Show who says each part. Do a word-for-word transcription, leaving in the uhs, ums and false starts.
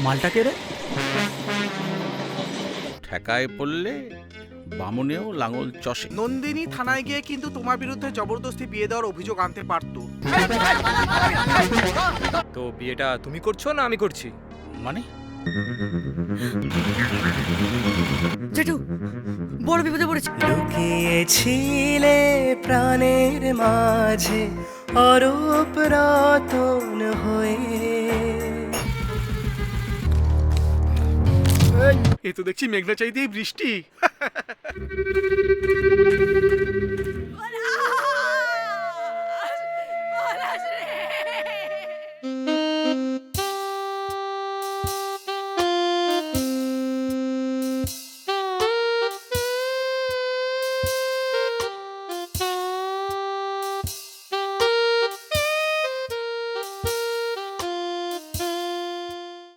Speaker 1: মালটা কে রে?
Speaker 2: ঠেকায় পড়লে বামুনেও লাঙল চষে।
Speaker 3: নন্দিনী থানায় গিয়ে কিন্তু তোমার বিরুদ্ধে জবরদস্তি বিয়ে দেওয়ার অভিযোগ আনতে পারতো।
Speaker 4: তো বিয়েটা তুমি করছো না আমি করছি?
Speaker 2: মানে
Speaker 5: জেঠু বড় বিপদে পড়েছি।
Speaker 6: লুকিয়েছিলে প্রাণের মাঝে অরূপ রতন হয়ে।
Speaker 3: এ তো দেখছি মেঘনা চাইতেই বৃষ্টি।